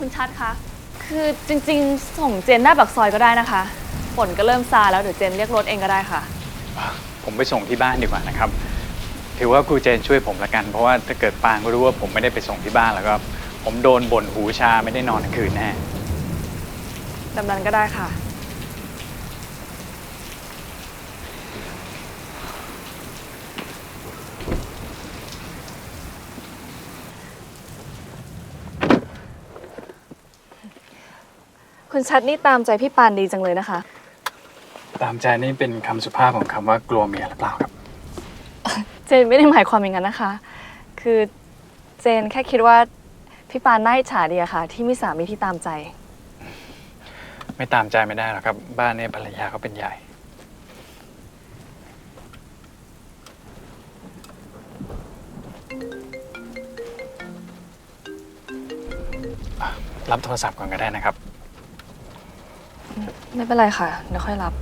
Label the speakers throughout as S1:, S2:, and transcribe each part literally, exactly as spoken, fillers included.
S1: คุณชัดคะคือจริงๆส่งเจนหน้าปากซอยก็ได้นะคะฝนก็เริ่มซาแล้วเดี๋ยวเจนเรียกรถเองก็ได้ค่ะ
S2: ผมไปส่งที่บ้านดีกว่านะครับถือว่าครูเจนช่วยผมละกันเพราะว่าถ้าเกิดปางก็รู้ว่าผมไม่ได้ไปส่งที่บ้านแล้วก็ผมโดนบ่นหูชาไม่ได้นอนทั้งคืนแน่
S1: แบบนั้นก็ได้ค่ะคุณชัดนี่ตามใจพี่ปานดีจังเลยนะคะ
S2: ตามใจนี่เป็นคำสุภาพของคำว่ากลัวเมียหรือเปล่าครับ
S1: เจนไม่ได้หมายความอย่างนั้นนะคะคือเจนแค่คิดว่าพี่ปานน่าอิจฉาดีอะค่ะที่มีสามีที่ตามใจ
S2: ไม่ตามใจไม่ได้หรอกครับบ้านนี้ภรรยาเขาเป็นใหญ่รับโทรศัพท์ก่อนก็ได้นะครับ
S1: ไม่เป็นไรค่ะเดี๋ยวค่อยรับ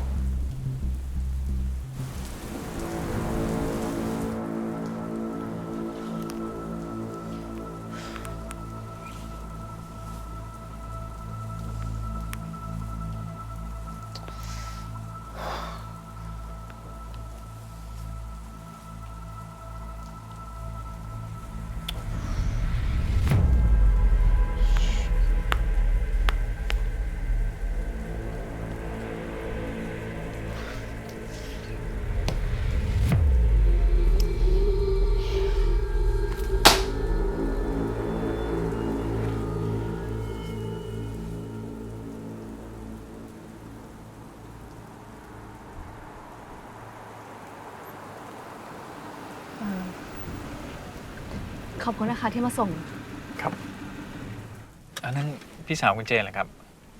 S1: ขอบคุณนะคะที่มาส่ง
S2: ครับอันนั้นพี่สาวคุณเจนเหรอครับ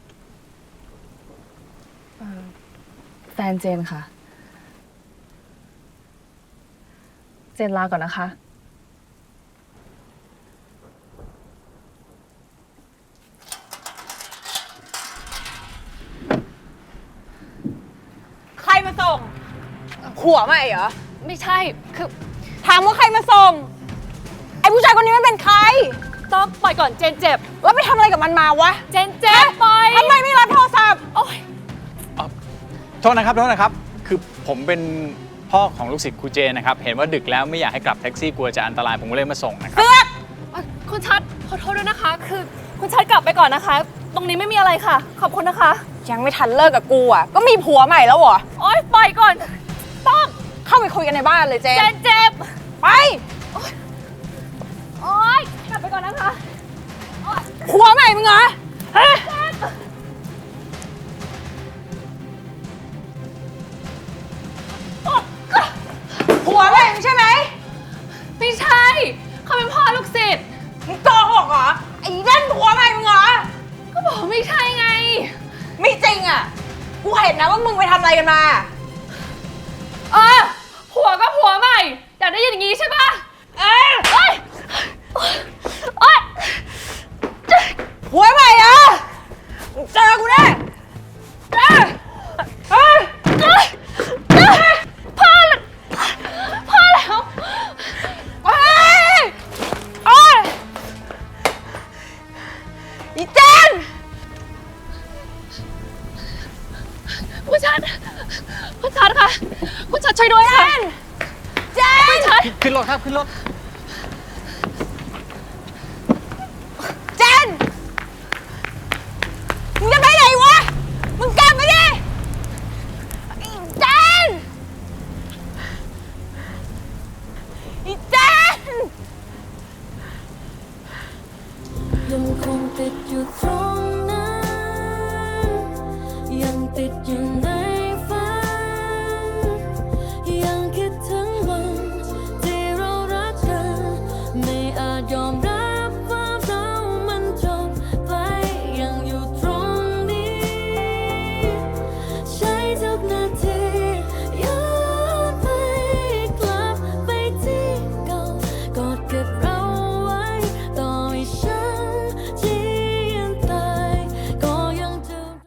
S1: แฟนเจนค่ะเจนลาก่อนนะคะ
S3: ใครมาส่งผัวใหม่เหรอ
S1: ไม่ใช่คือ
S3: ถามว่าใครมาส่งไอ้ผู้ชายคนนี้มันเป็นใคร
S1: ต้องปล่อยก่อนเจนเจ็บ
S3: แล้วไปทำอะไรกับมันมาวะ
S1: เจนเจ็บปล่อย
S3: ทำไมไม่รับโทรศัพท์
S1: โอ๊ย
S2: โทษนะครับโทษนะครับคือผมเป็นพ่อของลูกศิษย์ครูเจนนะครับเห็นว่าดึกแล้วไม่อยากให้กลับแท็กซี่กลัวจะอันตรายผมก็เลยมาส่งนะครับ
S3: เสือก
S1: คุณชัดขอโทษด้วยนะคะคือคุณชัดกลับไปก่อนนะคะตรงนี้ไม่มีอะไรค่ะขอบคุณนะคะ
S3: ยังไม่ทันเลิกกับกูอ่ะก็มีผัวใหม่แล้วเหรอ
S1: โอ๊ยปล่อยก่อนต้อง
S3: เข้าไปคุยกันในบ้านเลยเจน
S1: เจนเจ็บ
S3: ไป
S1: โอ๊ยกลับไปก่อนนะคะ
S3: ผัวใหม่มึงเหรอฮะผัวใหม่มึงใช่ไหม
S1: ไม่ใช่เขาเป็นพ่อลูกศิษย์
S3: มึงโกหกเหรอไอ้นั่นผัวใหม่มึงเหรอ
S1: ก็บอกไม่ใช่ไง
S3: ไม่จริงอ่ะกูเห็นนะว่ามึงไปทำอะไรกันมา
S1: เออผัวก็ผัวใหม่อยากได้ยินอย่างงี้ใช่ปะ
S3: เออ
S1: เอ้ยเอ้ย
S3: ผัวใหม่เหรอเจอกูแน่เออเออ
S1: พ่อพ่อแล้ว
S3: โอ้ยโอ้ยอีเจน
S1: คุณชัดคุณชัดค่ะคุณชัดช่วยด้วยค่ะ
S3: เจน
S1: คุณชัด
S2: ขึ้นรถครับขึ้นรถ
S3: เจนมึงจะไปไหนวะมึงกลับไปดิเจนอีเจน
S4: ยังคงติดอยู่ตรง